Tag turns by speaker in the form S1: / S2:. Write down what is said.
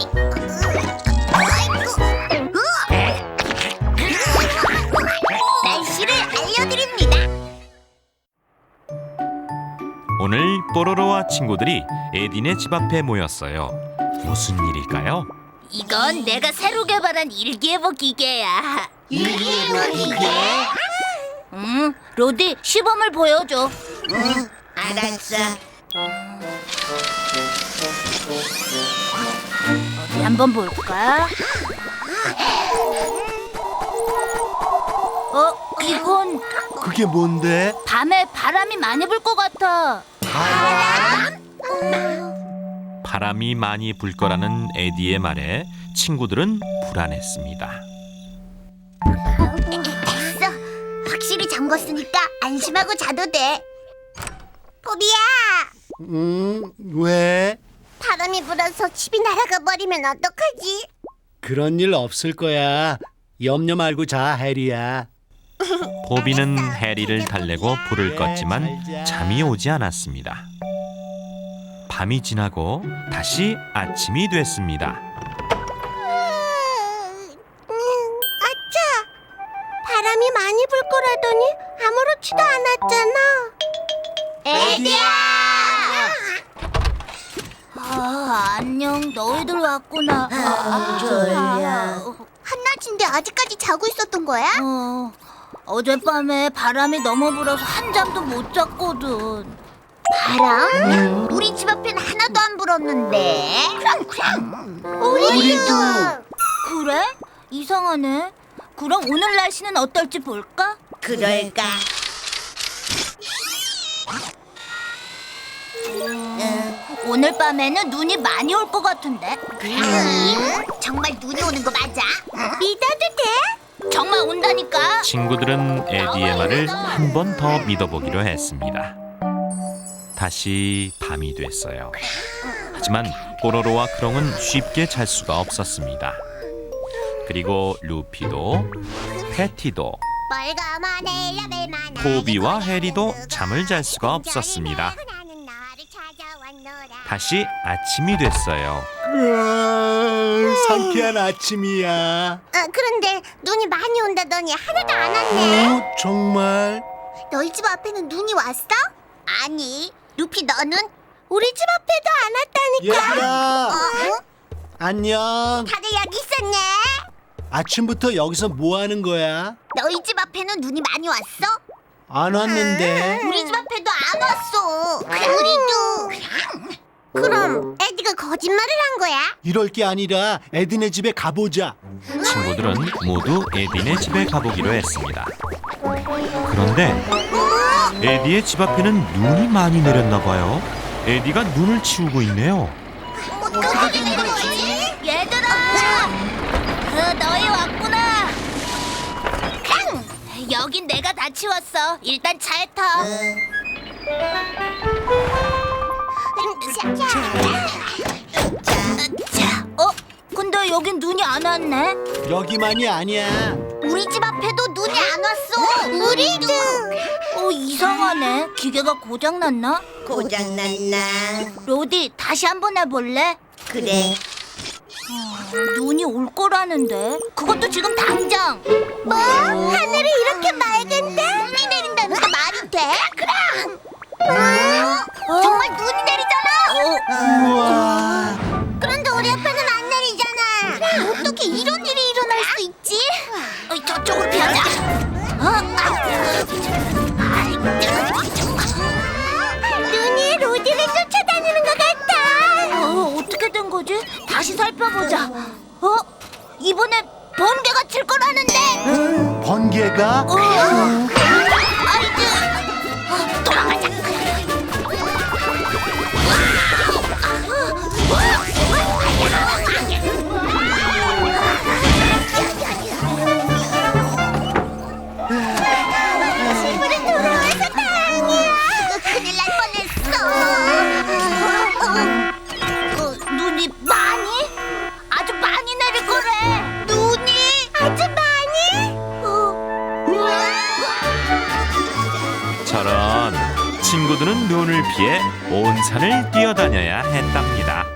S1: 날씨를 알려드립니다.
S2: 오늘 뽀로로와 친구들이 에딘의 집 앞에 모였어요. 무슨 일일까요?
S1: 이건 내가 새로 개발한 일기예보 기계야. 일기예보 기계? 로디, 시범을 보여줘. 알았어. 어디 한번 볼까? 이건
S3: 그게 뭔데?
S1: 밤에 바람이 많이 불 것 같아.
S2: 바람이 많이 불 거라는 에디의 말에 친구들은 불안했습니다.
S1: 됐어. 확실히 잠궜으니까 안심하고 자도 돼. 포비야,
S3: 왜?
S1: 바람이 불어서 집이 날아가 버리면 어떡하지?
S3: 그런 일 없을 거야. 염려 말고 자, 해리야.
S2: 보비는 해리를 달래고 불을 껐지만 잠이 오지 않았습니다. 밤이 지나고 다시 아침이 됐습니다.
S1: 아차! 바람이 많이 불 거라더니 아무렇지도 않았잖아. 에디야! 안녕, 너희들 왔구나. 졸려. 한낮인데 아직까지 자고 있었던 거야? 어젯밤에 바람이 너무 불어서 한잠도 못 잤거든. 바람? 우리 집 앞엔 하나도 안 불었는데. 우리도. 그래? 이상하네. 그럼 오늘 날씨는 어떨지 볼까? 그럴까? 오늘 밤에는 눈이 많이 올 것 같은데. 정말 눈이 오는 거 맞아? 믿어도 돼? 정말 온다니까.
S2: 친구들은 에디의 말을 한 번 더 믿어보기로 했습니다. 다시 밤이 됐어요. 하지만 뽀로로와 크롱은 쉽게 잘 수가 없었습니다. 그리고 루피도, 패티도, 포비와 해리도 잠을 잘 수가 없었습니다. 다시 아침이 됐어요.
S3: 상쾌한 아침이야.
S1: 그런데 눈이 많이 온다더니 하나도 안 왔네.
S3: 정말?
S1: 너희 집 앞에는 눈이 왔어? 아니, 루피 너는? 우리 집 앞에도 안 왔다니까.
S3: 얘들아, 안녕.
S1: 다들 여기 있었네.
S3: 아침부터 여기서 뭐 하는 거야?
S1: 너희 집 앞에는 눈이 많이 왔어?
S3: 안 왔는데.
S1: 우리 집 앞에도 안 왔어. 우리도. 그럼 에디가 거짓말을 한 거야?
S3: 이럴 게 아니라 에딘의 집에 가보자.
S2: 친구들은 모두 에딘의 집에 가보기로 했습니다. 그런데 에디의 집 앞에는 눈이 많이 내렸나 봐요. 에디가 눈을 치우고 있네요.
S1: 어떻게 된 거지? 얘들아! 너희 왔구나. 여긴 내가 다 치웠어. 일단 차에 타. 근데 여긴 눈이 안 왔네.
S3: 여기만이 아니야.
S1: 우리 집 앞에도 눈이 안 왔어. 우리도. 이상하네. 기계가 고장났나?
S4: 고장났나?
S1: 로디, 다시 한번 해볼래?
S4: 그래.
S1: 눈이 올 거라는데. 그것도 지금 당장. 뭐? 하늘이 이렇게 맑은데? 눈이 내린다는 게 말이 돼? 그럼. 정말 눈이 내리잖아.
S3: 우와.
S1: 그런데 우리 앞에는 안 내리잖아. 어떻게 이런 일이 일어날 수 있지? 저쪽으로 피하자. 눈이 로디를 쫓아다니는 것 같아. 어떻게 된 거지? 다시 살펴보자. 이번에 번개가 칠 거라는데.
S3: 번개가?
S1: 아이들, 돌아가자. 집으로 돌아와서 다행이야. 큰일 날 뻔했어. 눈이 많이? 아주 많이 내릴 거래. 눈이 아주 많이?
S2: 저런 친구들은 눈을 피해 온 산을 뛰어다녀야 했답니다.